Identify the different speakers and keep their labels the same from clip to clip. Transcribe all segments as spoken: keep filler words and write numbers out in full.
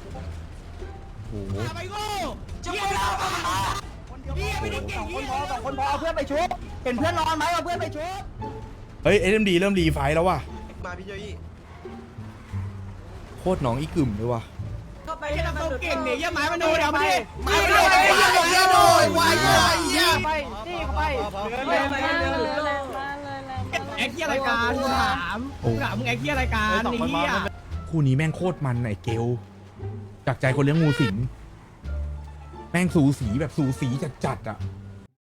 Speaker 1: โอ้โห
Speaker 2: ไปโง่จะไปเราเฮียไม่ต้องเก่งเฮียสองคนพอเพื่อนไปชุบเห็นเพื่อนนอนไหมเอาเพื่อนไปชุบ
Speaker 1: เฮ้ยเอ็มดีเริ่มรีไฟแล้วว่ะ
Speaker 3: มาพี่เจยี่
Speaker 1: โคตรน้องอีกึ่มเลยว่ะ
Speaker 2: ก็ไปให้เราเก่งเนี่ยยังไม้มาดูเดี๋ยวไปไม้มาดู
Speaker 3: ไอ้เหี้ยโดยวายไอ้เหี้ย
Speaker 2: ไปนี่ไปเดินไปเดินแอคเฮียรายการกูถามกูถามมึงแอคเฮียรายการนี่เฮีย
Speaker 1: คู่นี้แม่งโคตรมันไอ้เกลจากใจคนเลี้ยงงูสิงแม่งสูสีแบบสูสีจัดๆอ่ะ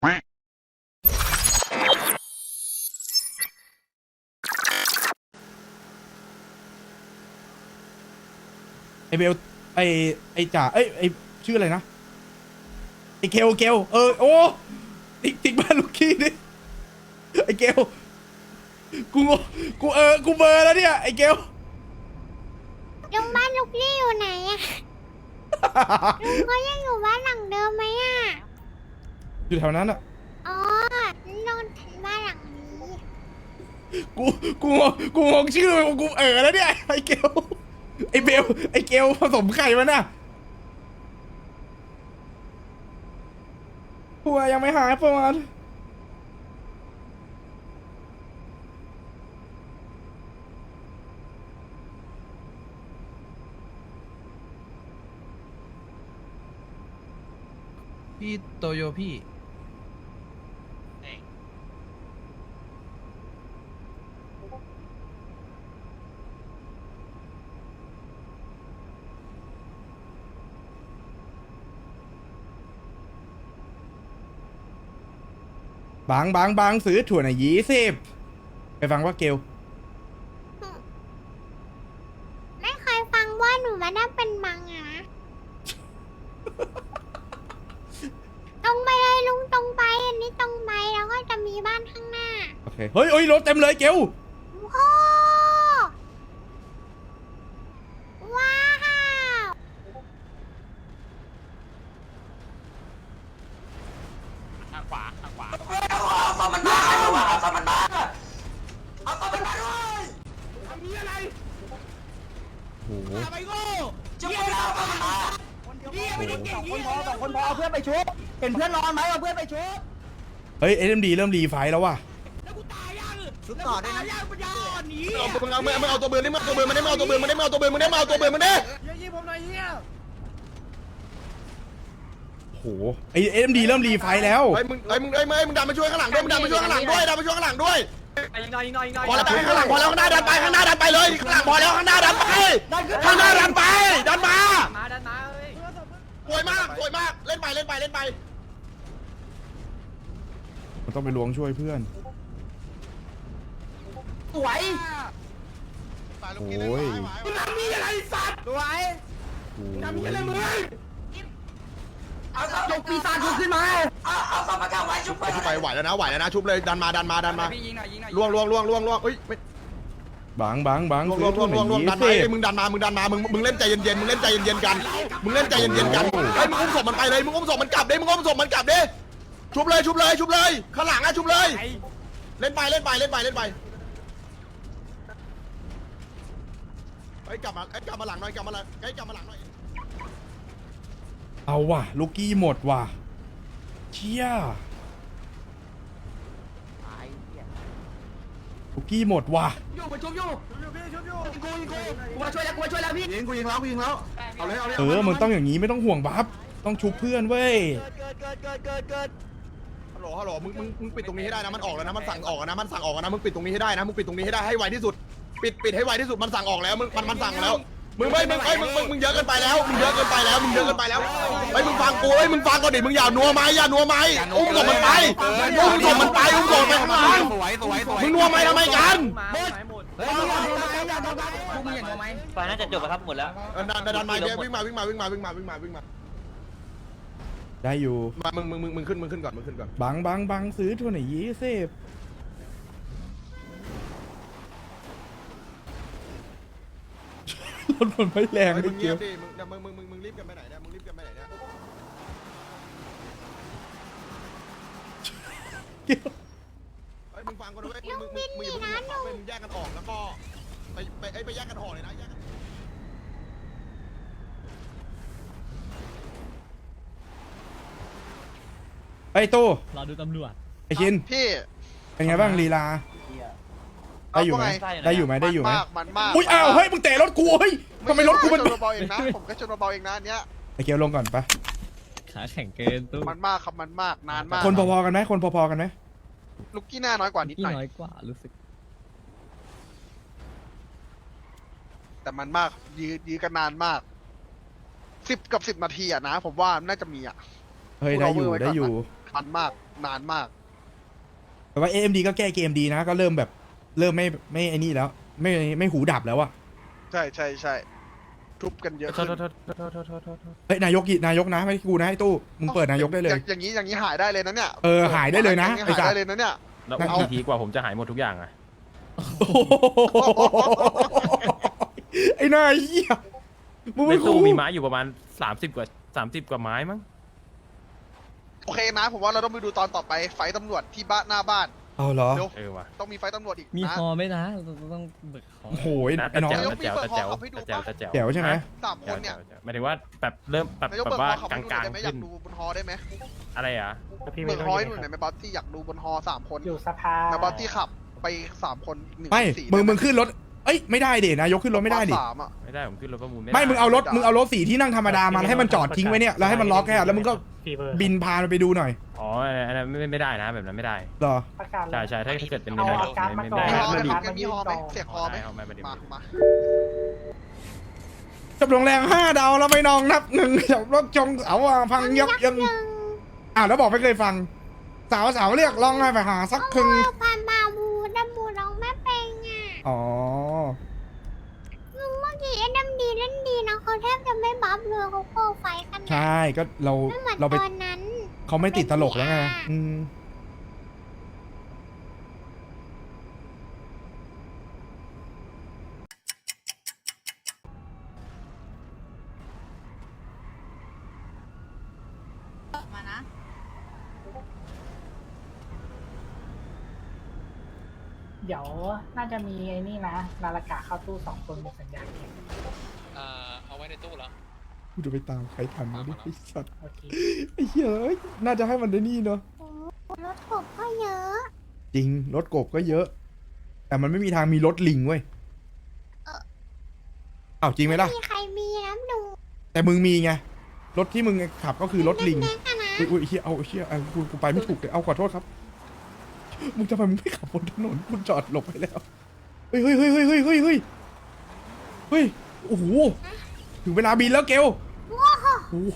Speaker 1: ไอเบลไอไอจ่าเอ้ยไอชื่ออะไรนะไอเกลเกลเออโอ้ติ๊กติ๊กบ้านลูกกี้ดิไอเกลกูกูเออกูเบอร์แล้วเนี่ยไอเกล
Speaker 4: ลุงบ้านลูกลี่อยู่ไหนอะ ลุงก็ยังอยู่บ้านหลังเดิมไหมอะ
Speaker 1: อยู่แถวนั้นอ่ะ
Speaker 4: อ๋อลงถึงบ้านหลังนี้
Speaker 1: กูกูงงกูงงชื่อกูเออแล้วเนี่ยไอเกลไอเบลไอเกลผสมไข่มันน่ะหัวยังไม่หายประมาณ
Speaker 3: พี่โตโยพี่
Speaker 1: บางบางบางซื้อถั่วหน่อยยี่สิบไปฟังว่าเกล
Speaker 4: ไม่เคยฟังว่าหนูมาได้เป็นมังอะนะ ตรงไปเลยลุงตรงไปอันนี้ตรงไปแล้วก็จะมีบ้านข้างหน้า
Speaker 1: โอเคเฮ้ยเฮ้ยรถเต็มเลยเกล
Speaker 4: โอ้ว้าว
Speaker 2: ทางขวาทางขวา
Speaker 3: เอาสมันมาเอาสมันมาเอาสมันมาด้วย
Speaker 2: ทำนี้อะไร
Speaker 1: โอ้โห
Speaker 2: ไปโง่
Speaker 3: จะไปเรา
Speaker 2: เฮียไม่ต้องเก่งเฮียสองคนพอเพื่อนไปชุบเห็นเพื่อนนอนไหมเอาเพื่อนไปชุบ
Speaker 1: เฮ้ยเอ็มดีเริ่มรีไฟแล้วว่ะ
Speaker 2: แล้วกูตายยังชุบต่อได้นะยังปัญญาอ่อนหนี
Speaker 3: เอาตัวมึงเอามึงเอาตัวเบือนนี่มึงเอาตัวเบือนมันได้มึงเอาตัวเบือนมันได้มึงเอาตัวเบือนมันได้มึงเอาตัวเบือนมันได้
Speaker 2: เฮียยี่ผมหน่อยเฮีย
Speaker 1: โอ้โหไอเอ็มดีเริ่มรีไฟแล้ว
Speaker 3: ไอ้มึงไอ้มึงไอ้มึงไอ้มึงดันมาช่วยข้างหลังด้วยมึงดันมาช่วยข้างหลังด้วยดันมาช่วยข้างหลังด้วย
Speaker 2: ยิงหน่อยยิงหน่อยยิงหน่อย
Speaker 3: พอแล้วข้างหลังพอแล้วข้างหน้าดันไปข้างหน้าดันไปเลยข้างหลังพอแล้วข้างหน้าดันไปข้างหน้าดันไปดันมา
Speaker 2: มาดันมาเฮ้ย
Speaker 3: สวยมากสวยมากเล่นไปเล่นไปเล่นไป
Speaker 1: มันต้องไปล้วงช่วยเพื่อน
Speaker 2: สวย
Speaker 1: โอ้ย
Speaker 2: มึงทำนี่อะไรสัตว์สวย
Speaker 1: โอ้
Speaker 2: ทำนี่
Speaker 1: ย
Speaker 2: อะไรมึงยกปีศาจกูขึ้นมา
Speaker 3: ชุบไปชุบไปไหวแล้วนะไหวแล้วนะชุบเลยดันมาดันมาดันมา
Speaker 2: พี่ยิงหน่อยยิงหน่อย
Speaker 3: ล่วงล่วงล่วงล่วงล่วงเอ้ย
Speaker 1: บางบางบาง
Speaker 3: ล่วง
Speaker 1: ซื้
Speaker 3: ล่ว
Speaker 1: อง
Speaker 3: ล่
Speaker 1: ถั่
Speaker 3: ว
Speaker 1: ว
Speaker 3: ง
Speaker 1: ห
Speaker 3: ล่
Speaker 1: น่
Speaker 3: ว
Speaker 1: อง ย
Speaker 3: ล่วง
Speaker 1: ยี่
Speaker 3: ดันมา
Speaker 1: สิ
Speaker 3: ไอ้
Speaker 1: บ
Speaker 3: มึงดันมามึงดันมามึงมึงเล่นใจเย็นๆมึงเล่นใจเย็นๆกันมึงเล่นใจเย็นๆกันไอ้มึงอุ้มศพมันไปเลยมึงอุ้มศพมันกลับดิมึงอุ้มศพมันกลับดิชุบเลยชุบเลยชุบเลยข้างหลังอะชุบเลย เล่นไปเล่นไปเล่นไปเล่นไปไอ้กลับมาไอ้กลับมาหลังหน่อยกลับมาหลังไอ้กลับมาหลังหน่อย
Speaker 1: เอาว่ะลูกกี้หมดว่ะเชี่ยลูกกี้หมดว่ะ
Speaker 2: อยู่มาชุบอยู่อยู่พี่ชุบอยู่กูยิงกูกูมาช่วยแล้วกูมาช่วยแล้วพี่
Speaker 3: ยิงกูยิงแล้วกูยิงแล้วเอาเลยเอาเลย
Speaker 1: เออมึงต้องอย่างนี้ไม่ต้องห่วงบัฟต้องชุบเพื่อนเว้ย
Speaker 2: เกิดเกิดเกิดเกิดเกิด
Speaker 3: ฮัลโหลฮัลโหลมึงมึงมึงปิดตรงนี้ให้ได้นะมันออกแล้วนะมันสั่งออกนะมันสั่งออกนะมึงปิดตรงนี้ให้ได้นะมึงปิดตรงนี้ให้ได้ให้ไวที่สุดปิดปิดให้ไวที่สุดมันสั่งออกแล้วมึงมันมันสั่งแล้วมึงไม่มึงไอ้มึงมึงมึงเยอะเกินไปแล้วมึงเยอะเกินไปแล้วมึงเยอะเกินไปแล้วไอ้มึงฟังกูไอ้มึงฟังก่อนดิมึงอย่านัวไม้อย่านัวไม้อุ้มศพมันไปอุ้มศพมันไปอุ้มศพไปข้างหลังมึงนัวไม้ทำไมกัน
Speaker 2: หมดเฮ้ยอย่าโดนไหมอย่าโดนไหมพวกมึงอย่าโดนไหม
Speaker 5: ไฟน่าจะจบแล้วครับหมดแล้ว
Speaker 3: ดันดันมาเดี๋ยววิ่งมาวิ่งมาวิ่งมาวิ่งมาวิ่งมาวิ่งมา
Speaker 1: ได้อยู่
Speaker 3: มามึงมึงมึงมึงขึ้นมึงขึ้นก่อนมึงขึ้นก่อน
Speaker 1: บางบางบางซื้อถั่วหน่อยยี่สิบรถมันไม่แรง
Speaker 3: มึ
Speaker 1: ไม่
Speaker 3: งเงี
Speaker 1: เกี่
Speaker 3: ย
Speaker 1: ย
Speaker 3: บ
Speaker 1: ว
Speaker 3: ดิมึงมึงมึงมึงมึงรีบกันไปไหนเนี่ยมึงรีบกันไปไหนเนี่ย
Speaker 1: เกี่ยว
Speaker 3: ไอ้มึงฟังก่อนด้วยมึงมึงมึงมึงมึงแยกกันออกแล้วก็ไปไปไอ้ไปแยกกันห่อเลยนะแยกกัน
Speaker 1: ไอ้ตู้
Speaker 2: รอดูตำรวจ
Speaker 1: ไอ้ชิน
Speaker 5: พี่
Speaker 1: เป็นไงบ้างลีลาได้อยู่ไหม
Speaker 5: เอาว่าไง
Speaker 1: ได้อยู่ไหมได้อยู่ไหม
Speaker 5: มันมากมันมาก
Speaker 1: อุ้ยอ้าวเฮ้ยมึงเตะรถกูเฮ้ยทำไมรถกูมัน
Speaker 5: ชนเบาๆเองนะผมแค่ชนเบาๆเองนะอันเนี้ย
Speaker 1: ไอ้เกียวลงก่อนปะ
Speaker 2: ขาแข็งเกินตู้
Speaker 5: มันมากครับมันมากนานมาก
Speaker 1: คนพอๆกันไหมคนพอๆกันไหม
Speaker 5: ลูกกี้หน้าน้อยกว่านิด
Speaker 2: ที่
Speaker 5: หน่อย
Speaker 2: น้อยกว่ารู้สึก
Speaker 5: แต่มันมากยื้อยื้อกันนานมากสิบกับสิบนาทีอะนะ ผมว่าน่าจะมีอะ
Speaker 1: เฮ้ยได้อยู่ได้อยู่
Speaker 5: มันมากนานมาก
Speaker 1: แต่ว่า เอ็ม ดี ก็แก้เกมดีนะ ก็เริ่มแบบเริ่มไม่ไม่ไอ้นี่แล้ว ไม่ไม่หูดับแล้วอะ
Speaker 5: ใช่ใช่ใช่ทุบกันเยอะ
Speaker 2: โท
Speaker 5: ขึ้
Speaker 2: ษ
Speaker 5: น
Speaker 2: โทษโทษโทษโทษโทษโทษโทษ
Speaker 1: เฮ้ยนายกนายกนะไม่ใช่กูนะไอ้ตู้มึงเปิดนายกได้เลย
Speaker 5: อางอย่างนี้อย่างนี้หายได้เลยนะเนี่ย
Speaker 1: เออหายได้เลยนะ
Speaker 5: อาง
Speaker 1: ไอ้
Speaker 5: หาย
Speaker 1: สัต
Speaker 5: ได้
Speaker 1: ว์
Speaker 5: เลยนะเนี่ย
Speaker 6: แล้ว
Speaker 1: เอา
Speaker 6: กี่ทีกว่าผมจะหายหมดทุกอย่างอะ
Speaker 1: โอ้โหไอ้หน้าเหี้ยมึง
Speaker 6: ใน
Speaker 1: ไม่
Speaker 6: ตู้
Speaker 1: คู
Speaker 6: มีไม้อยู่ประมาณสามสิบกว่าสามสิบกว่าไม้มั้ง
Speaker 5: โอเคนะ ผมว่าเราต้องไปดูตอนต่อไปไฟท์ตำรวจที่บ้านหน้าบ้าน
Speaker 1: เอาเหรอ
Speaker 5: เร็ว
Speaker 6: เออว่ะ
Speaker 5: ต้องมีไฟท์ตำรวจอีก
Speaker 2: มี
Speaker 5: นะ
Speaker 2: ฮอไหมนะเราต้องเบิกฮอ
Speaker 1: โอ้โห
Speaker 6: นะ
Speaker 1: ไอ้น้อง
Speaker 6: แต่แจ๋วแต่แจ๋วแต่แจ๋วแต่แจ๋วแต่แจ๋ว
Speaker 1: แจ๋วใช่ไหม
Speaker 5: สามคนเนี่ย
Speaker 6: หมายถึงว่าแบบเริ่มแบบ
Speaker 5: นายก
Speaker 6: แบ
Speaker 5: เบิก
Speaker 6: บว่า
Speaker 5: ฮอขับ
Speaker 6: ก
Speaker 5: ไป
Speaker 6: ลาง
Speaker 5: ดูได้ไหม
Speaker 6: ๆ
Speaker 5: อยา
Speaker 6: ขึ้
Speaker 5: ก
Speaker 6: น
Speaker 5: ดูบนฮอได้ไหม
Speaker 6: อะไรอ่ะ
Speaker 5: เบิกฮอให้ดูหน่อยไหมบอสที่อยากดูบนฮอสามคน
Speaker 7: อยู่สภา
Speaker 5: นะบอสที่ขับไปสามคนหนึ่ง
Speaker 1: ไม่
Speaker 5: สี่
Speaker 1: มึง
Speaker 5: ได้ไห
Speaker 1: มึงขึ้นรถเอ้ยไม่ได้ดินายกขึ้นรถไม่ได้ดิ
Speaker 5: สามอ่ะ
Speaker 6: ไม่ได้ผมขึ้นรถประมูลไม่
Speaker 1: ไม่
Speaker 6: ได้
Speaker 1: มึงเอารถมึงเอารถสีที่นั่งธรรมดามาแล้วให้มันจอดทิ้งไว้เนี่ยแล้วให้มันล็อกแค่แล้วมึงก็
Speaker 7: ฟีเบอร์
Speaker 1: บินพามันไปดูหน่อย
Speaker 6: อ๋ออันนั้นไม่ไม่ได้นะแบบนั้นไม่ได้
Speaker 1: เหรอ
Speaker 7: ประกาศ
Speaker 6: ใช่ใช่ถ้าถ้าเกิดเป็น
Speaker 7: เอา
Speaker 6: ไม่ได้
Speaker 7: อาการมา
Speaker 6: ไม่
Speaker 7: ก่อน
Speaker 6: ไม่
Speaker 5: มี
Speaker 6: ได้
Speaker 5: ฮอไหม
Speaker 7: เา
Speaker 5: งั้นมีฮอไหมเสียงฮอไหม
Speaker 6: เอาไม่ได้
Speaker 5: มามา
Speaker 1: จับลงแรงห้าดาวแล้วไม่นองนับหนึ่งจับรถจงเอาอ่ะพังยับยัง
Speaker 4: หนึ่ง
Speaker 1: อ่าวแล้วบอกไม่เคยฟัง สาวสาวเรียกร้องให้ไปหาสักครึ่ง
Speaker 4: เอาพามาบูดัมบูร้องไม่เป็นอ่ะ
Speaker 1: อ๋อ
Speaker 4: มึงเมื่อกี้เอ็นดัมดีเล่นดีนะเขาแทบจะไม่บัฟเลยเขาโคไฟกันนะ
Speaker 1: ใช่ก็เรา
Speaker 4: ไม่เหมือน
Speaker 1: เราไป
Speaker 4: ตอนนั้น
Speaker 1: เขาไม่ติดตลกแล้วไงอืม
Speaker 8: มานะ
Speaker 7: เดี๋ยวน่าจะมีไอ้นี่นะ นาฬิกาเข้าตู้สองคนมีสัญญาณเอง
Speaker 9: เอ่อเอาไว้ในตู้แล้ว
Speaker 1: กูจะไปตามใครทันวะเนี่ยไอ้สัตว์
Speaker 7: โอเค
Speaker 1: ไอ้เหี้ยเอ้ยน่าจะให้มันได้นี่เนาะ
Speaker 4: โอ้รถกบก็เยอะ
Speaker 1: จริงรถกบก็เยอะ แต่มันไม่มีทางมีรถลิงเว้ย
Speaker 4: เออ
Speaker 1: อ้าวจริงไหมล่ะ
Speaker 4: มีใครมีน้ำดู
Speaker 1: แต่มึงมีไงรถที่มึงขับก็คือรถลิง
Speaker 4: เล็กๆอะนะ
Speaker 1: อุ้ยอุ้ยเฮียเอาเฮียเอากูกูไปไม่ถูกเลยเอาขอโทษครับ มึงทำไมมึงไม่ขับบนถนนมึงจอดหลบไปแล้ว เฮ้ยเฮ้ยเฮ้ยเฮ้ยเฮ้ยเฮ้ยเฮ้ยเฮ้ยโอ้โห ถึงเวลาบินแล้วเกล
Speaker 4: ว้าว
Speaker 1: โอ้โห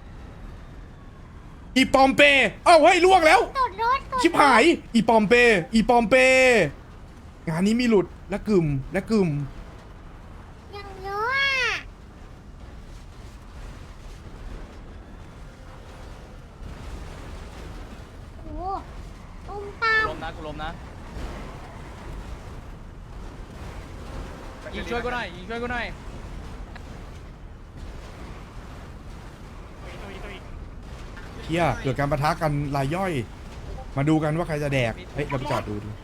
Speaker 1: อีปอมเปเอ้าเฮ้ยล่วงแล้ว
Speaker 4: ตดรถตด
Speaker 1: ชิบหาย อีปอมเป อีปอมเป งานนี้มีหลุดและกึ่มและกึ่ม
Speaker 4: อย่างเยอะอ่ะโอ้ตุ้มตาม
Speaker 2: ลมนะกูลมนะยิงช่วยกูหน่อยยิงช่วยกูหน่อย
Speaker 1: เฮียเกิดการประทะกันรายย่อย มาดูกันว่าใครจะแดก เฮ้ย เราไปจอดดูดู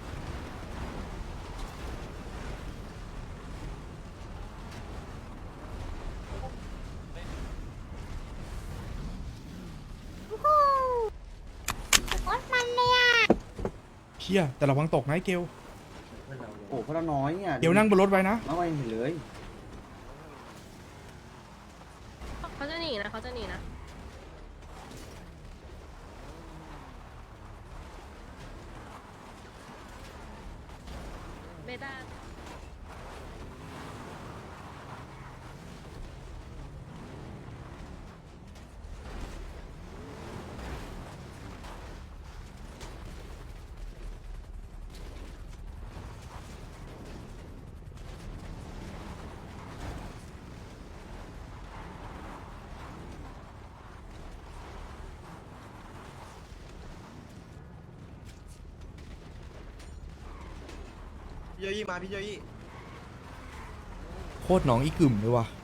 Speaker 4: โอ้โหรถมันเลยอ่ะ
Speaker 1: เฮียแต่ระวังตกนะไอ้เกล
Speaker 10: โอ้พระน้อยเนี่ย
Speaker 1: เกลนั่งบนรถไว้นะ
Speaker 10: น้อยเห็นเลย
Speaker 8: เขาจะหนีนะเขาจะหนีนะเบต้า
Speaker 3: พี่เจยี่มาพี่เจยี่
Speaker 1: โคตรหนองอีกึ่มเลยว่ะ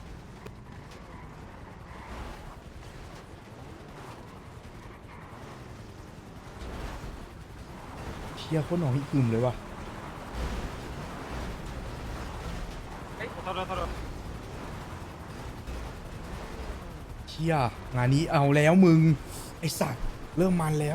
Speaker 1: เชียโคตรหนองอีกึ่มเลยว่ะเชียงานนี้เอาแล้วมึง ไอสัตว์เริ่มมันแล้ว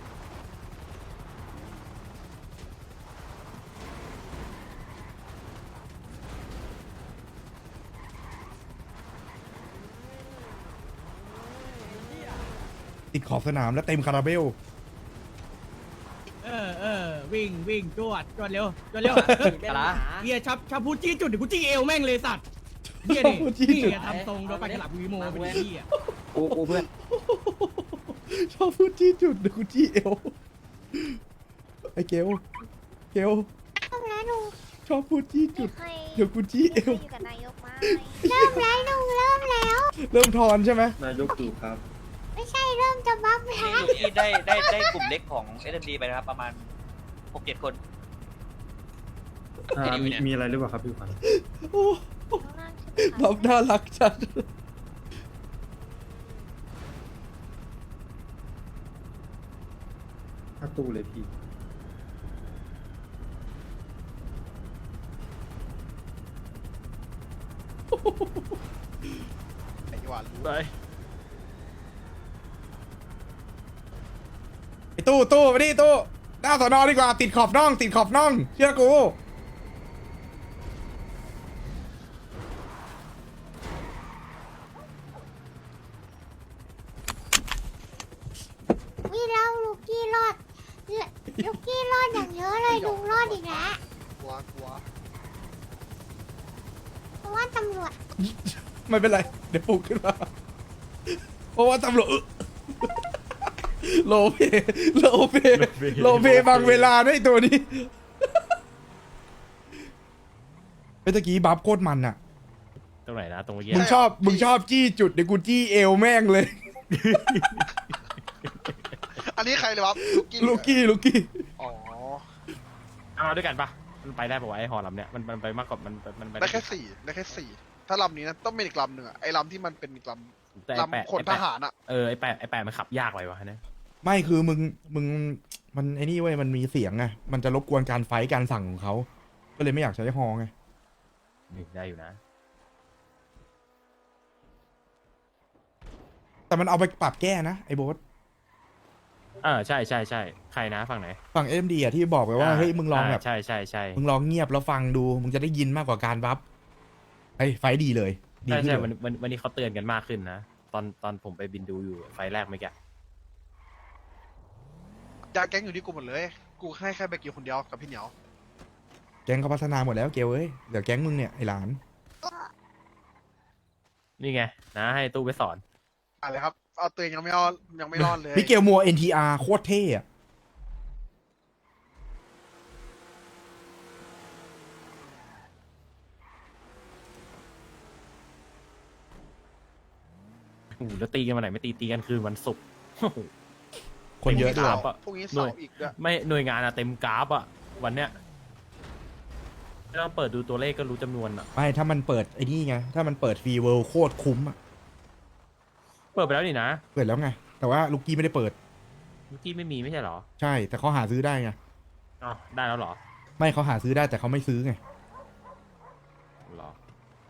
Speaker 1: ติดขอบสนามแล้วเต็มคาราเบล
Speaker 2: เออเออวิ่งวิ่งจวดจวดเร็วจวดเร็วเฮียชับชับพูดจี้จุดเดี๋ยวกูจี้เอวแม่งเลยสัตว์เฮียดิ
Speaker 1: ชับพูดจี้จุด
Speaker 2: นี่ทำทรงโดนไปกระหลับวีโมเป็นเฮีย
Speaker 10: กูกูเพื่อน
Speaker 1: ชอบพูดจี้จุดเดี๋ยวกูจี้เอวไอ้เกลเกล
Speaker 4: เริ่มแล้วลุง
Speaker 1: ชอบพูดจี้จุด
Speaker 4: เคย
Speaker 1: เดี๋ยวกูจี้เอ
Speaker 4: เคยว อยู่กับนายกมาเริ่มแล้วลุงเริ่มแล้ว
Speaker 1: เริ่มทอนใช่ไหม
Speaker 10: นายกตู่ครับ
Speaker 4: ไม่ใช่เริ่มจะบัฟแล้ว
Speaker 11: ที่ได้ได้ได้กลุ่มเล็กของ เอส เอ็ม ดี ไปนะครับ ประมาณ หกเจ็ด คน
Speaker 10: อ่ามีมีอะไรหรือเปล่าครับพี่ขวัญ
Speaker 1: โอ้แบบน่ารักจัด
Speaker 10: ถ้าตู้เลยพี่
Speaker 5: ไอ้หวานรู้
Speaker 6: ไป
Speaker 1: ไอ้ตู้ตู้มาดิตู้หน้าสอนอดีกว่าติดขอบน่องติดขอบน่องเชื่อกู
Speaker 4: วิเราลูกกี้รอดลูกกี้รอดอย่างเยอะเลยลุงรอดอีกแล้ว
Speaker 5: กลัวกลัว
Speaker 4: เพราะว่าตำรวจ
Speaker 1: ไม่เป็นไร เดี๋ยวปลุกขึ้นมา เพราะว่าตำรวจอึ โลเปโลเปโลเปบางเวลาด้วยไอ้ตัวนี้เมื่อกี้บัฟโคตรมันอะ
Speaker 6: ตรงไหนนะตรงเมื่อกี้
Speaker 1: มึงชอบมึงชอบจี้จุดเดี๋ยวกูจี้เอวแม่งเลย
Speaker 5: อันนี้ใครเลยวะลูกกี้
Speaker 1: ลูกกี้ลูกกี้
Speaker 5: อ๋อ
Speaker 6: เอามาด้วยกันปะมันไปได้ปะวะไอ้หอลำเนี่ยมันมันไปมากกว่ามันมันไป
Speaker 5: ได้แค่สี่ได้แค่สี่ถ้าลำนี้นะต้องเป็นอีกลำหนึ่งอะไอ้ลำที่มันเป็นอีกล
Speaker 6: แต่
Speaker 5: ำ
Speaker 6: ไอ้แปะ
Speaker 5: ลำขนทหารอะ
Speaker 6: เออไอ้แปะไอ้แปะมันขับยากไปวะเนี่ย
Speaker 1: ไม่คือมึงมึงมันไอ้นี่เว้ยมันมีเสียงไงมันจะรบกวนการไฟท์การสั่งของเขาก็เลยไม่อยากใช้ฮอไง
Speaker 6: นี่ได้อยู่นะ
Speaker 1: แต่มันเอาไปปรับแก้นะไอ้โบ๊ท
Speaker 6: เออใช่ใช่ใช่ใครนะฝั่งไหน
Speaker 1: ฝั่งเอ็มดีอะที่บอกไปว่าเฮ้ยมึงลองแบบ
Speaker 6: าใช่ใช่ใช่
Speaker 1: มึงลองเงียบแล้วฟังดูมึงจะได้ยินมากกว่าการบัฟไอ้ยไฟท์ดีเลยดี
Speaker 6: ใช่
Speaker 1: ขึ้น
Speaker 6: ใช่
Speaker 1: เล
Speaker 6: วัน
Speaker 1: ย
Speaker 6: วันวันนี้เขาเตือนกันมากขึ้นนะตอนตอนผมไปบินดูอยู่ไฟล์แรกเมื่อกี้
Speaker 5: ยาแก๊งอยู่ที่กูหมดเลย กูให้แค่ไปกี่คนเดียวกับพี่เหนียว
Speaker 1: แก๊งเขาพัฒนาหมดแล้วเกลเอ้ยเดี๋ยวแก๊งมึงเนี่ยไอ้หลาน
Speaker 6: นี่ไงนะให้ตู้ไปสอน
Speaker 5: อะไรครับ เอาตัวเองยังไม่รอดยังไม่รอดเลย
Speaker 1: พี่เกลมัว เอ็น ที อาร์ โคตรเท่อะ
Speaker 6: โอ้โหแล้วตีกันวันไหนไม่ตีตีกันคืนวันศุกร์โอ้โห
Speaker 1: คนเยอะด้วย
Speaker 6: ครั บ
Speaker 5: พรุ่งนี้เสาร์อีกด้วย
Speaker 6: ไม่หน่วยงานอะเต็มกราฟอะวันเนี้ยไม่ต้องเปิดดูตัวเลขก็รู้จำนวนอะ
Speaker 1: ไม่ถ้ามันเปิดไอ้นี่ไงถ้ามันเปิดฟรีเวิลด์โคตรคุ้มอะ
Speaker 6: เปิดไปแล้วนี่นะ
Speaker 1: เปิดแล้วไงแต่ว่าลูกกี้ไม่ได้เปิด
Speaker 6: เมื่อกี้ไม่มีไม่ใช่เหรอ
Speaker 1: ใช่แต่เขาหาซื้อได้ไง
Speaker 6: อ๋อได้แล้วเหรอ
Speaker 1: ไม่เขาหาซื้อได้แต่เขาไม่ซื้อไง
Speaker 6: เหรอ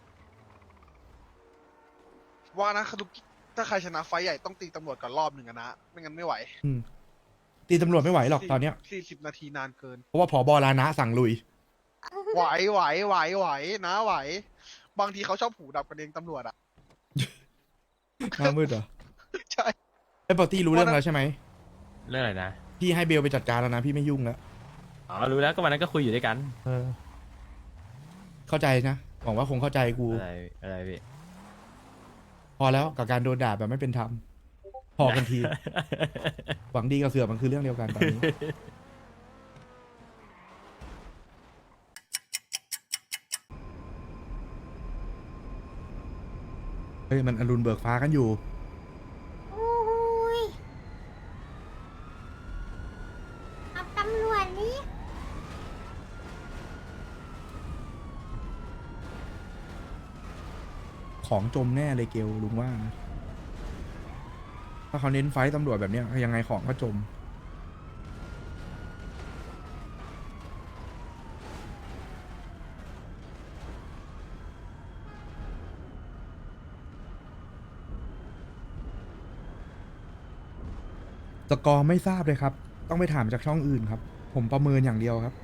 Speaker 5: ว่านะคือลูกถ้าใครชนะไฟท์ใหญ่ต้องตีตำรวจก่อนรอบหนึ่งอะนะ ไม่งั้นไม่ไหว
Speaker 1: อืมตีตำรวจไม่ไหวหรอกตอนเนี้ย
Speaker 5: สี่สิบนาทีนานเกิน
Speaker 1: เพราะว่าผบลานะสั่งลุย
Speaker 5: ไหวไหวไหวไหวนะไหว บางทีเขาชอบหูดับกันเองตำรวจอะ
Speaker 1: หน้ามืดเหรอ
Speaker 5: ใช่
Speaker 1: ไอ้ปอตี้รู้เรื่องแล้วใช่ไหม
Speaker 6: เรื่องอะไรนะ
Speaker 1: พี่ให้เบลไปจัดการแล้วนะพี่ไม่ยุ่งแล้ว
Speaker 6: อ๋อรู้แล้วก็วันนั้นก็คุยอยู่ด้วยกัน
Speaker 1: เออ เข้าใจนะหวังว่าคงเข้าใจกู
Speaker 6: อะไรอะไรพี่
Speaker 1: พอแล้วกับการโดนด่าแบบไม่เป็นธรรมพอกันที หวังดีกับเสือกมันคือเรื่องเดียวกันตอนนี้ เฮ้ยมันอรุณเบิกฟ้ากันอยู่
Speaker 4: โอ้ยเอาตำรวจนี่
Speaker 1: ของจมแน่เลยเกลลุงว่านะถ้าเขาเน้นไฟต์ตำรวจแบบเนี้ยยังไงของก็จมสกอร์ไม่ทราบเลยครับ ต้องไปถามจากช่องอื่นครับ ผมประเมินอย่างเดียวครับ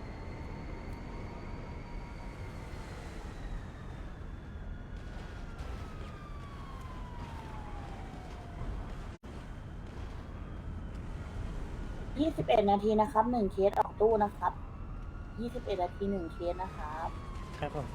Speaker 7: ยี่สิบเอ็ดนาทีนะครับหนึ่งเคสออกตู้นะครับยี่สิบเอ็ดนาทีหนึ่งเคสนะครับ
Speaker 6: ครับผม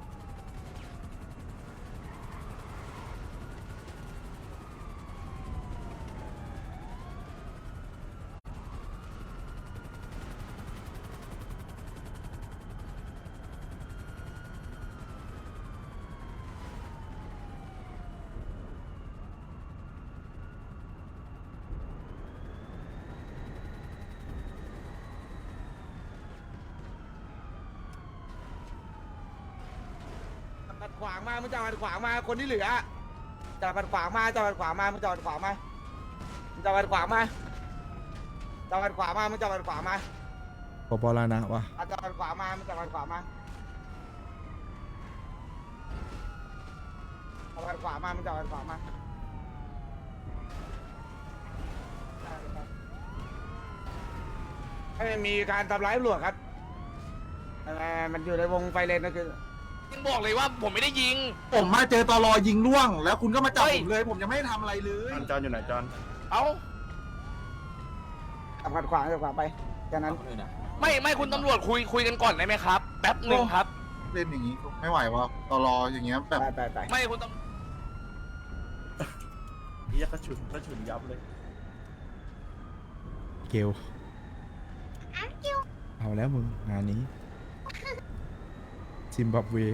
Speaker 3: ขัดขวางมามึงจะขัดขวางมาคนที่เหลือจะขัดขวางมาจะขัดขวางมามึงจะขัดขวางมามึงจะขัดขวางมาจะขัดขวางมามึงจะขัดขวางมา
Speaker 1: ปปลานะวะ
Speaker 3: อาจจะขัดขวางมามึงจะขัดขวางมาจะขัดขวางมามึงจะขัดขวางมาไม่มีการทำร้ายตำรวจครับเอ่อมันอยู่ในวงไฟเลนก็คือยังบอกเลยว่าผมไม่ได้ยิง ผมมาเจอตอรอยิงล่วง แล้วคุณก็มาจับผมเลย ผมยังไม่ได้ทำอะไรเลย
Speaker 6: จอนอยู่ไหนจอน
Speaker 3: เอ้าขัดขวางขัดขวางไปแค่นั้น
Speaker 9: ไม่ไม่คุณตำรวจคุยคุยกันก่อนได้ไหมครับ แป๊บหนึ่งครับ
Speaker 3: เล่นอย่างนี้ไม่ไหววะตอรออย่างเงี้ยแบบไปไป
Speaker 9: ไม่คุณตำ
Speaker 6: นี่ก็ฉุนก็ฉุนยับเลย
Speaker 1: เกลเอาแล้วมึงงานนี้ ซิมบับเว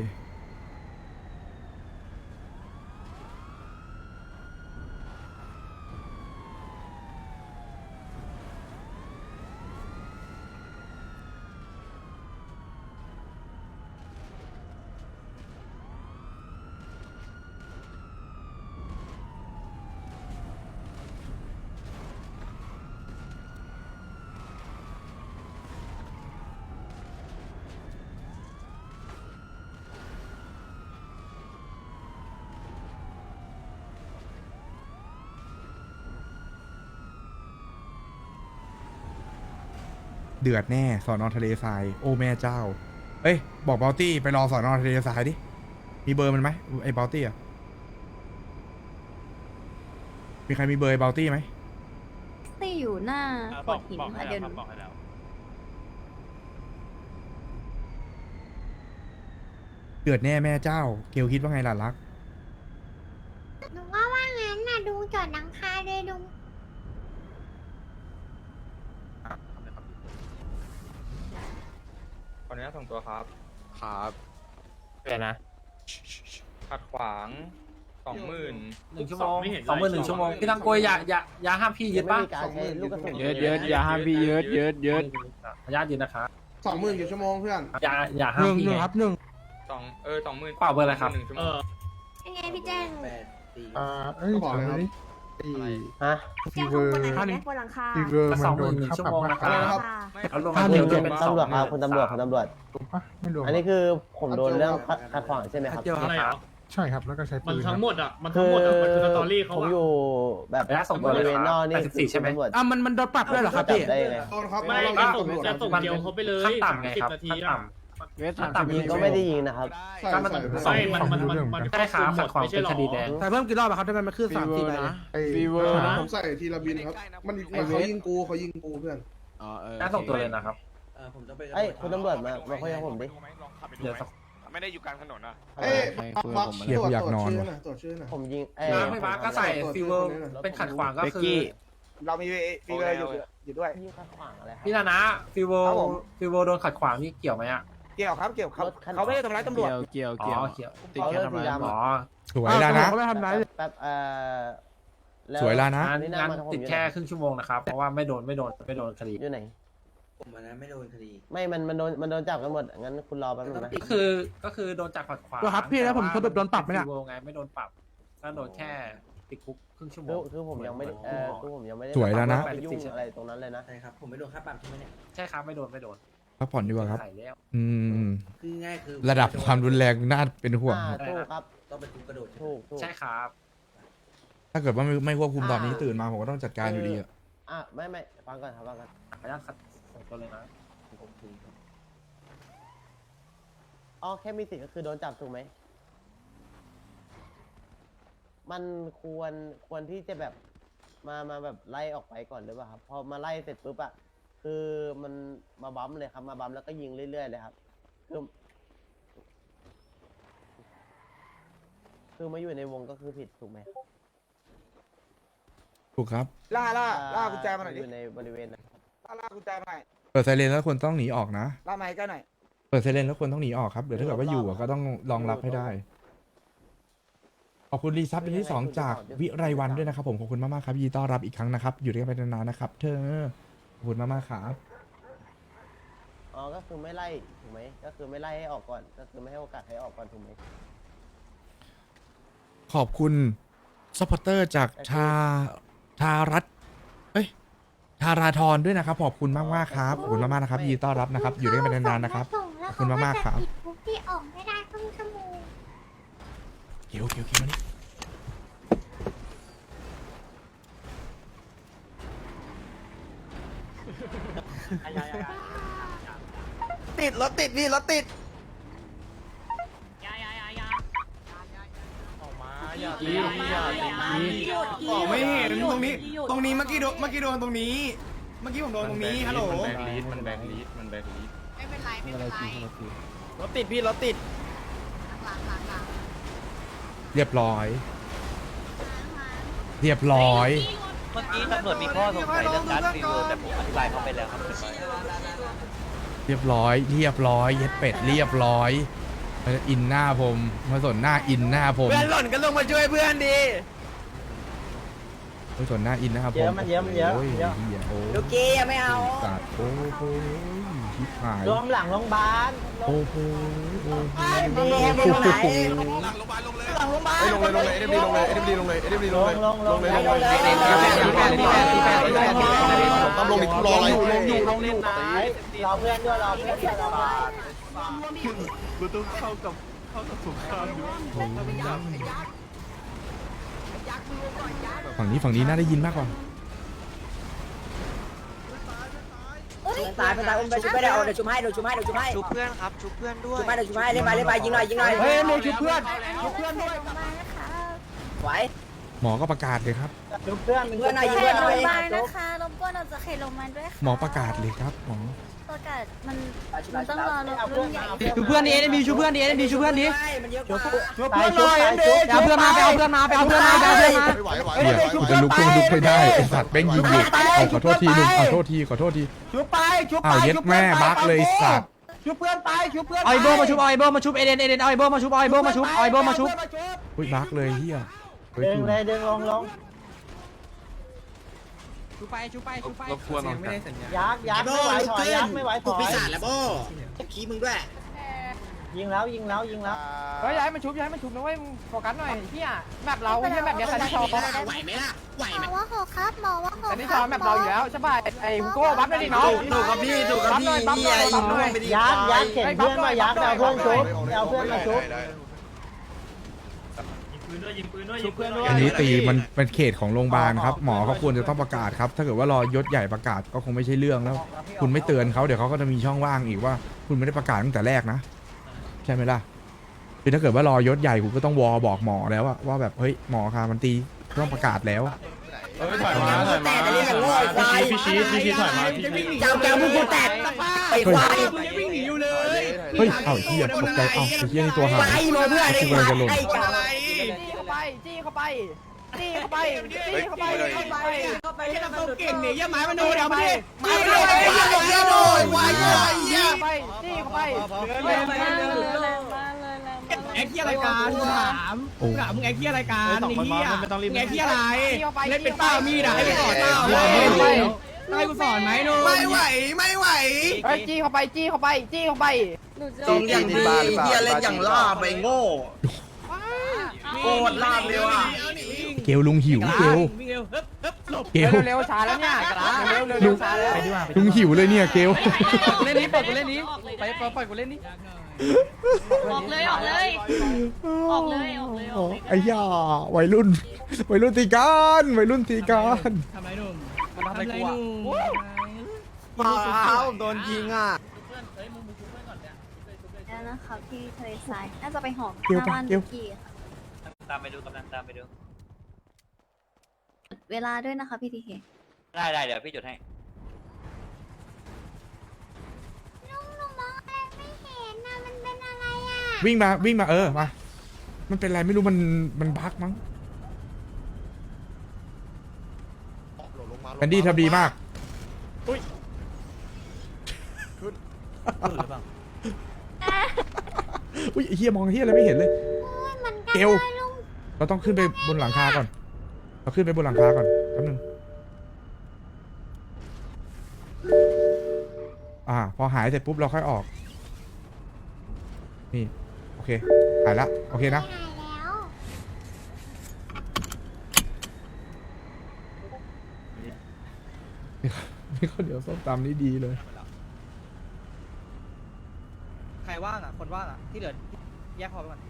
Speaker 1: เดือดแน่สอนอทะเลทราย โอ้แม่เจ้า เอ้ย บอกเบลตี้ไปรอสอนอทะเลทรายดิ มีเบอร์มันไหมไอ้เบลตี้อ่ะ มีใครมีเบอร์ไอ้เบลตี้ไหม
Speaker 8: ตี้อยู่หน้าโขดหินค่ะเดี๋ยวหนู
Speaker 1: เดือดแน่แม่เจ้า เกลคิดว่าไงล่ะรัก
Speaker 4: หนูว่าว่างั้นน่ะดูจอดหลังคาเลยดู
Speaker 11: ขออนุญาตส่งตัวครับ
Speaker 6: ครับเดี๋ยวนะ
Speaker 11: ขัดขวางสองหมื่น
Speaker 6: หนึ่งชั่วโมงสองหมื่นหนึ่งชั่วโมงพี่ตังโกยอย่าอย่าอย่าห้ามพี่ยึดป่ะสองหมื่น
Speaker 2: เยอะเยอะอย่าห้ามพี่เยอะเยอะเยอะ
Speaker 6: ขออนุญาตยึดนะครับ
Speaker 3: สองหมื่นกี่ชั่วโมงเพื่อน
Speaker 6: อย่าอย่าห้ามพี่ไง
Speaker 11: สองเออสองหมื่น
Speaker 6: เปล่าเบอร์อะไรครับ
Speaker 11: หนึ่งชั่วโมง
Speaker 4: ยังไงพี่แจ้ง
Speaker 3: อ่าเอ้ยบอกเลยครับ
Speaker 10: ฮะ
Speaker 4: เจ้าของคนไหนไหมบนหลังคา
Speaker 6: สองหมื่นหนึ่งชั่วโมงนะครับ
Speaker 11: ไม่
Speaker 6: เอาลง
Speaker 10: ห้า
Speaker 6: มา
Speaker 10: ห
Speaker 6: เดี
Speaker 10: นึ่
Speaker 6: ยว
Speaker 10: ง
Speaker 6: จะ
Speaker 10: เป็
Speaker 6: เป็น น
Speaker 10: ตำรวจครับ
Speaker 6: สองหมื่น
Speaker 10: คุณตำรวจคุณตำรวจ อันนี้คือผมโดนเรื่องขัดขวางใช่ไหมครับ
Speaker 6: อะไรอ่ะ
Speaker 3: ใช่ครับแล้วก็ใช้ปืน
Speaker 6: มันทั้งหมดอ่ะมัน
Speaker 10: คื
Speaker 6: ทั้ง
Speaker 10: อ
Speaker 6: หมดอ่ะมันคือสตอรี่เขา
Speaker 10: ผม
Speaker 6: อ่ะ
Speaker 10: อยู่แบบ
Speaker 6: ระยะส่ง
Speaker 10: บริเวณนอกนี่
Speaker 6: แปดสิบสี่ใช่ไหม
Speaker 10: ตำรวจ
Speaker 2: อ่ะมันมันโดนปรับด้วยเหรอครับ
Speaker 10: จับ
Speaker 2: พี่
Speaker 10: ได้ยังไง
Speaker 3: โดนครับ
Speaker 6: ไม่
Speaker 3: เรา
Speaker 6: ก็
Speaker 3: ล่า
Speaker 6: ส่ง
Speaker 3: ตำรวจ
Speaker 6: จะส่งเดียวเขาไปเลยขั้นต่ำไงครับสินาที
Speaker 10: ขั้น
Speaker 6: อ่ะ
Speaker 10: ต่ำ ยิงก็ไม่ได้ยิงนะครับ
Speaker 3: ใช่
Speaker 6: ก็มัน
Speaker 3: ใช่
Speaker 6: ไม่มันมันมันมัน
Speaker 10: ใช่ครับ
Speaker 6: ขัดขวางเป็นคดีแดง
Speaker 2: แต่เพิ่มกี่รอบอะครับทำไมมันขึ้นสามสี่ใบเลย
Speaker 3: ฟีเวอ
Speaker 6: ร์
Speaker 3: ร์
Speaker 6: นะ
Speaker 3: ผมใส่ทีละบินครับ มันเขายิงกูเขายิงกูเพื่อน
Speaker 6: น่าส่งตัวเลยนะครับ
Speaker 10: ไอ้ยคุณตำรวจมามาคุยกับผมดิ
Speaker 6: เดี๋ยวสัก
Speaker 9: ไม่ได้อยู่กลางถนนอ่ะ
Speaker 3: เอ้ยบัก
Speaker 1: เหี้ยกูอยากนอน
Speaker 3: ตรวจ
Speaker 1: ว่ะ
Speaker 3: ชื่อหน่อยตรวจชื่อหน่อย
Speaker 10: ผมยิงเอ้ย
Speaker 6: น้ำไม่มาก็ใส่ฟิวเวอร์เป็นขัดขวางก็คือ
Speaker 3: เรามีฟีเวอร์อยู่อยู่ด้วย
Speaker 10: ยิงขัดขวางอะไรครับ
Speaker 6: พี่นานะฟิวเวอ
Speaker 3: ครับ
Speaker 6: ร์
Speaker 3: ผม
Speaker 6: ฟิวเวอร์โดนขัดขวางนี่เกี่ยวไหมอ่ะ
Speaker 3: เกี่ยวครับเกี่ยวครับ
Speaker 10: รถคัน
Speaker 3: เขาไม่ได้ทำร้ายตำรวจ
Speaker 2: เกี่ยว
Speaker 6: อ๋
Speaker 2: เกี่ยว
Speaker 6: อเกี่ยว
Speaker 10: เขาเลือกสีดำ
Speaker 6: อ๋อ
Speaker 1: สวยแล้วนะ
Speaker 2: เขาไม่ทำร้าย
Speaker 10: แป๊บเอ่อแ
Speaker 1: สวยแล้วนะ
Speaker 6: งั้น
Speaker 10: นี่หน้า
Speaker 6: งั้น
Speaker 10: มาทางผม
Speaker 6: ติด
Speaker 10: อยู่
Speaker 6: แค่
Speaker 10: ไหน
Speaker 6: ครึ่งชั่วโมงนะครับ เพราะว่าไม่โดนไม่โดนไม่โดนคดี
Speaker 10: อยู่ไหน
Speaker 11: ผมอันนั้นไม่โดนคดี
Speaker 10: ไม่ มัน มันโดน มันโดนจับกันหมด งั้นคุณรอแป๊บนึงนะ
Speaker 6: ก็คือก็คือโดนจับขัดขวาง
Speaker 2: ตัวครับพี่แล้วผมสรุปโดนปรับไหมเนี่ย
Speaker 6: ฟิวเวอร์ไงไม่โดนปรับก็โดนแค่ติดคุกครึ่งชั่วโม
Speaker 10: คือง คือผมยังไม่ได้เออคือผมยังไม่ได้
Speaker 1: สวยแล้วนะ
Speaker 10: ไปยุ่งอะไรตรงนั้นเลยนะ
Speaker 11: ใช่ครับผมไม่โดนค่าปรับใช่ไหมเนี่ย
Speaker 6: ใช่ครับไม่โดนไม่โดน
Speaker 1: พักผ่อนดีกว่าครับ
Speaker 6: ใส่แล้ว
Speaker 1: อืม
Speaker 11: คือง่ายคือ
Speaker 1: ระดับความรุนแรงน่าเป็นห่วง
Speaker 10: อ่า
Speaker 1: ครับ
Speaker 10: ถูกครับ
Speaker 11: ต้องเป็นคุกกระโดด
Speaker 10: ถูกถูก
Speaker 6: ใช่ครับ
Speaker 1: ถ้าเกิดว่าไม่ไม่ควบคุมตอนนี้
Speaker 10: อ่า
Speaker 1: ตื่นมาผมก็ต้องจัดการอยู่ดีอะ
Speaker 10: อ่ะไม่ไม่ฟังก่อนครับฟังก่อน
Speaker 6: ขออนุญาตคัดสองตัวเลยนะผมถือ
Speaker 10: อ๋อแค่มีสิทธิ์ก็คือโดนจับถูกไหมมันควรควรที่จะแบบมามาแบบไล่ออกไปก่อนหรือเปล่าครับพอมาไล่เสร็จปุ๊บอะคือมันมาบัมเลยครับมาบัมแล้วก็ยิงเรื่อยๆเลยครับคือคือมาอยู่ในวงก็คือผิดถูกไหม
Speaker 1: ถูกครับ
Speaker 10: ล่าล่าล่ากุญแจมาหน่อยดิอยู่ในบริเวณนะ
Speaker 3: ล่ากุญแจมาหน่อย
Speaker 1: เปิดไซเรนแล้วควรต้องหนีออกนะ
Speaker 3: ล่าไม้ก็หน่อย
Speaker 1: เปิดไซเรนแล้วควรต้องหนีออกครับเดี๋ยวถ้าเกิดว่าอยู่อะก็ต้องรองรับให้ได้ขอบคุณรีซับเป็นที่สองจากวิไรวันด้วยนะครับผมขอบคุณมากๆครับยินดีต้อนรับอีกครั้งนะครับอยู่ด้วยกันไปนานๆนะครับเธอขอบคุณมากๆครับ
Speaker 10: อ๋อก็คือไม่ไล่ถูกไหมก็คือไม่ไล่ให้ออกก่อนก็คือไม่ให้โอกาสให้ออกก่อนถูกไหม
Speaker 1: ขอบคุณซัพพอร์เตอร์จากชาทารัตเอ้ยทาราธรด้วยนะครับขอบคุณมากมากๆครับขอบคุณมากๆนะครับยินดีต้อนรับนะครับอยู่ด้วยกันไปนานๆนะครับ ขอบคุณมากๆครับ
Speaker 4: แล้วเขาก็จะปิดปุ๊บที่ออกไม่ได้ครึ่งชั่วโมง
Speaker 1: เกี่ยวเกี่ยวเกี่ยวนี่
Speaker 3: ติดรถติดพี่รถติด
Speaker 2: อ๋อไม่เห็นตรงนี้ ตรงนี้เมื่อกี้โดนเมื่อกี้โดนตรงนี้ เมื่อกี้ผมโดนตรงนี้ฮัลโหล
Speaker 6: มันแบงลีดมันแบงลีดมันแบงลีด
Speaker 8: ไม่เป็นไรไม่เป็นไร
Speaker 3: รถติดพี่รถติด
Speaker 8: หลังหลังหลัง
Speaker 1: เรียบร้อย เรียบร้อย
Speaker 11: เมื่อกี้ตำรวจมีข้อสงสัยเรื่องการรีวิวแต่ผมอธิบายเขาไปแล้วครับเรียบร้อย
Speaker 1: เรียบร้อยเรียบร้อยเย็ดเป็ดเรียบร้อยมาอินหน้าผมมาสนหน้าอินหน้าผม
Speaker 3: เพื่อนหล่นก็ลงมาช่วยเพื่อนดี
Speaker 1: มาสนหน้าอินนะครับผม
Speaker 10: เยอะมันเยอะมันเยอะ
Speaker 1: โอ้ย
Speaker 10: เยอะ
Speaker 1: เหี้ยโอ้
Speaker 3: ลูกกี้ยังไม่เอา
Speaker 1: สัตว์โอ้โหชิบหาย
Speaker 10: รวมหลังโรงพยาบาล
Speaker 1: โอ้โหโอ้โห
Speaker 3: หลังโรงพยาบาลลงเลยลงเลยเอ็มดีลงเลยเอ็มดีลงเลยเอ็มดีลงเลย
Speaker 10: ลงลง
Speaker 3: ลงเลย
Speaker 10: ลงเลย
Speaker 3: ต้องลงอีกรออะไรลงอยู่ลงอยู่
Speaker 10: รอเพื่อนด้วยรอเพื่อนด้วยรอเพื่อน
Speaker 1: ฝั่งนี้ฝั่งนี้น่าได้ยินมากกว่า
Speaker 3: ตายไปตายอุ้มไปชุบไปได้เดี๋ยวชุบให้เดี๋ยวชุบให้เดี๋ยวชุบให้
Speaker 11: ชุบเพื่อนครับชุบเพื่อนด้วย
Speaker 3: ชุบให้เดี๋ยวชุบให้เล่นไปเล่นไปยิงหน่อยยิงหน่อยเฮ้ยมีชุบเพื่อนชุบเพื่อนด้วยไหว
Speaker 1: หมอก็ประกาศเลยครับ
Speaker 10: ชุบเพื่อน
Speaker 3: เพื่อนหน่อยยิง
Speaker 8: เข
Speaker 3: เพื่อ
Speaker 8: ต
Speaker 3: นห
Speaker 8: โร
Speaker 3: น่อย
Speaker 8: งพยาบาลนะคะรบกวนเราจะเขตโรงพยาบาลด้วยค่ะ
Speaker 1: หมอประกาศเลยครับหมอ
Speaker 8: ประกาศมันมันต้องรอรถรุ่นใหญ่
Speaker 2: ชูเพื่อนดิเอ็นบีชูเพื่อนดิเอ็นบีชูเพื่อนดิ
Speaker 3: ชุบ
Speaker 10: ชุบเพื่อนหน่อย
Speaker 2: ไปเอาเพื่อนมาไปเอาเพื่อนมาไปเอาเพื่อนมาไปเอาเพื่อนมา
Speaker 3: ไหวไหว
Speaker 1: เดี๋ยวกูจะลุกก็ลุกไม่ได้ไอสัตว์แม่งยิงอยู่เอาขอโทษทีหนึ่งขอโทษทีขอโทษที
Speaker 3: ชุบไปชุบไป
Speaker 1: อ้าวเย็ดแม่บักเลยสัตว์
Speaker 3: ชุบเพื่อนไปชุบเพื่อน
Speaker 2: เอาไอโบมาชุบเอาไอโบมาชุบเอเดนเอเดนเอาไอโบมาชุบเอาไอโบมาชุบเอาไอโบมาชุบ
Speaker 1: อุ้ยบักเลยเฮียเฮ้ย
Speaker 10: ดึง
Speaker 1: กู
Speaker 10: เลยดึงลงลง
Speaker 2: ชุบไปชุบไปชุบไป
Speaker 6: รบกวนออกจาก
Speaker 10: ยักยักไม่ไหวถอยยักไม่ไหวถอย
Speaker 3: ปีศาจแล้วโบ้ขี้มึงด้วย
Speaker 10: ยิงแล้วยิงแล้วยิงแล้ว
Speaker 2: เฮ้ยย้ายมันชุบย้ายมันชุบนะเว้ยโฟกัสหน่อยเฮียแบบเราไม่ใช่แบบเดียวกันที่ชอบ
Speaker 3: ไหวไหมล่ะไหว
Speaker 4: หมอว่าหกครับหมอว่าหก
Speaker 2: แต่ที่ชอบแบบเราอยู่แล้วใช่ป่ะไอ้ฮุโก้บัฟได้ดิน้อง
Speaker 3: ถูกครับพี่ถูกครับพี่
Speaker 2: บัฟหน่อยบัฟหน่อย
Speaker 10: ยักยักเข็นเพื่อนมายักเอาเพื่อนชุบเอาเพื่อนมาชุบ
Speaker 2: ชุบเพื่อนด้วย
Speaker 1: อันนี้ตีมันเป็นเขตของโรงพยาบาลครับหมอเขาควรจะต้องประกาศครับถ้าเกิดว่ารอยศใหญ่ประกาศก็คงไม่ใช่เรื่องแล้ว คุณไม่เตือนเขาเดี๋ยวเขาก็จะมีช่องว่างอีกว่า คุณไม่ได้ประกาศตั้งแต่แรกนะใช่ไหมล่ะคือถ้าเกิดว่ารอยศใหญ่คุณก็ต้องวอบอกหมอแล้วอะว่าแบบเฮ้ยหมอคะมันตีต้องประกาศแล้ว
Speaker 6: เฮ้ยถอยมาถอยมาพี่ชี้พี่ชี้ถอยมาพี่ชี้
Speaker 3: เจ้าแก้วมึงกูแตกไปควาย
Speaker 2: วิ่งหนีอยู่เลย
Speaker 1: เฮ้ยเอ้าเฮียตกใจเอ้าไอ้เฮียนี่ตัวหา
Speaker 3: ไป
Speaker 1: ย
Speaker 3: มาเพื่อนไอ้
Speaker 1: กูกำลังจะหล่น
Speaker 3: ไอ้กา
Speaker 2: จี้เข้าไปจี้เข้าไปจี้เข้าไปจี้เข้าไปเข้าไปเข้าไปที่ทำตัวเก่งเนี่ยย่าหมายมาดูเดี๋ยวมาดิจี้เข้าไปจี้เข้าไปจี้เข้าไปจี้เข้าไปแรงมากเลยแรงมากเลยแรงมากแอคเคียรายการกูถามกูถามมึงแอคเคียรายการไอ้เหี้ยมึงแอคเคียอะไรเล่นเป็นเป้ามีดอ่ะให้ไปสอนเป้าให้กูสอนไหมนุ่มไม่ไหวไม่ไหวเฮ้ยจี้เข้าไปจี้เข้าไปจี้เข้าไป
Speaker 3: ตรงอย่างดีเฮียเล่นอย่างล่าไปโง่โคตรล่าเร็วอ่ะ
Speaker 1: เกลลุงหิวเกล
Speaker 2: วิ่งเร็วฮึบฮึบหลบ
Speaker 1: เกล
Speaker 2: เร็วช้าแล้วเนี่ยกระเร็วเร็วเร็วช้าแล้ว
Speaker 1: ลุงหิวเลยเนี่ยเกล
Speaker 2: เล่นนี้เปิดกูเล่นนี้ไปปล่อยกูเล่นนี้
Speaker 8: ออกเลยออกเลยออกเลยออกเลยออกเลย
Speaker 1: ไอ้ย่าวัยรุ่นวัยรุ่นตีกันวัยรุ่นตีกัน
Speaker 2: ทำไรหนุ่มมันทำอะไรกูอ่ะ
Speaker 10: อ้าวโดนยิงอ่ะ
Speaker 8: แล้วนะคะพี่ทะเลทรายน่าจะไปหอม
Speaker 1: เกล
Speaker 8: หน้า
Speaker 1: ปะ
Speaker 8: บ้าน
Speaker 1: เกล
Speaker 8: ลูกกี้ค่ะ
Speaker 11: ตามไปดูกำลังตามไปดู
Speaker 8: เวลาด้วยนะคะพี่ทีเค
Speaker 11: ได้ได้เดี๋ยวพี่จดให้
Speaker 4: ลุงหนูมองอะไรไม่เห็นนะมันเป็นอะไรอ่ะ
Speaker 1: วิ่งมาวิ่งมาเออมามันเป็นอะไรไม่รู้มันมันบั๊กมั้งแอนดี้ทำดีมากอุ้ยอุ้ยไอ้เฮียมองเฮียอะไรไม่เห็นเลย
Speaker 4: โอ้ยเหมือนกัน
Speaker 1: เกล
Speaker 4: เลยลุง
Speaker 1: เราต้องขึ้นไปบนหลังคาก่อน เราขึ้นไปบนหลังคาก่อนแป๊บนึงอ่า พอหายเสร็จปุ๊บเราค่อยออก นี่ โอเค หายละ โอเคนะ
Speaker 4: หายแล้ว
Speaker 1: นี่ข้าวเหนียวส้มตำนี่ดีเลย
Speaker 2: ใครว่างอ่ะคนว่างอ่ะที่เหลือแยกพอไปก่อน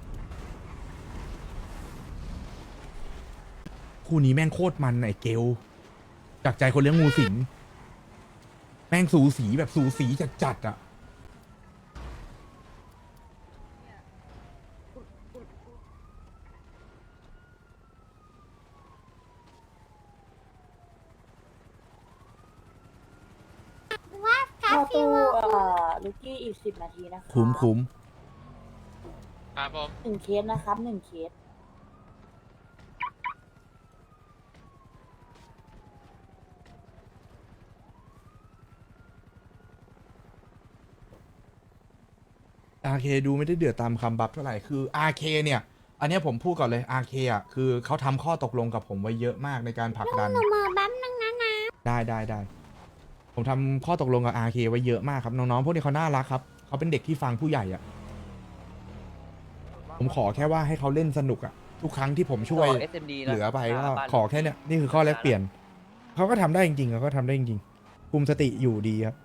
Speaker 1: คู่นี้แม่งโคตรมันไอ้เกลจากใจคนเลี้ยงงูสิง แม่งสูสีแบบสูสีจัดๆอ่ะ
Speaker 4: ว่าคาฟิว
Speaker 7: ลูกี้อีกสิบนาทีนะคะ
Speaker 1: คุ้มคุ้ม
Speaker 9: ครับผม
Speaker 7: หนึ่งเคสนะครับหนึ่งเคส
Speaker 1: อาร์เคดูไม่ได้เดือดตามคำบัฟเท่าไหร่ คือ อาร์ เค เนี่ย อันเนี้ยผมพูดก่อนเลย อาร์ เค อ่ะ คือเขาทำข้อตกลงกับผมไว้เยอะมากในการผลักดัน
Speaker 4: หนูมือแป๊บนึงนะนะ
Speaker 1: ได้ได้ได้ ผมทำข้อตกลงกับ อาร์ เค ไว้เยอะมากครับ น้องๆ พวกนี้เขาน่ารักครับ เขาเป็นเด็กที่ฟังผู้ใหญ่อ่ะ ผมขอแค่ว่าให้เขาเล่นสนุกอ่ะ ทุกครั้งที่ผมช่วย
Speaker 11: เอสเอ็มดีนะ
Speaker 1: เหลือไปก็
Speaker 11: บ้าน
Speaker 1: ขอแค่เนี้ยนี่คือข้อแลกเปลี่ยน เขาก็ทำได้จริงๆเขาก็ทำได้จริงๆคุมสติอยู่ดีครับ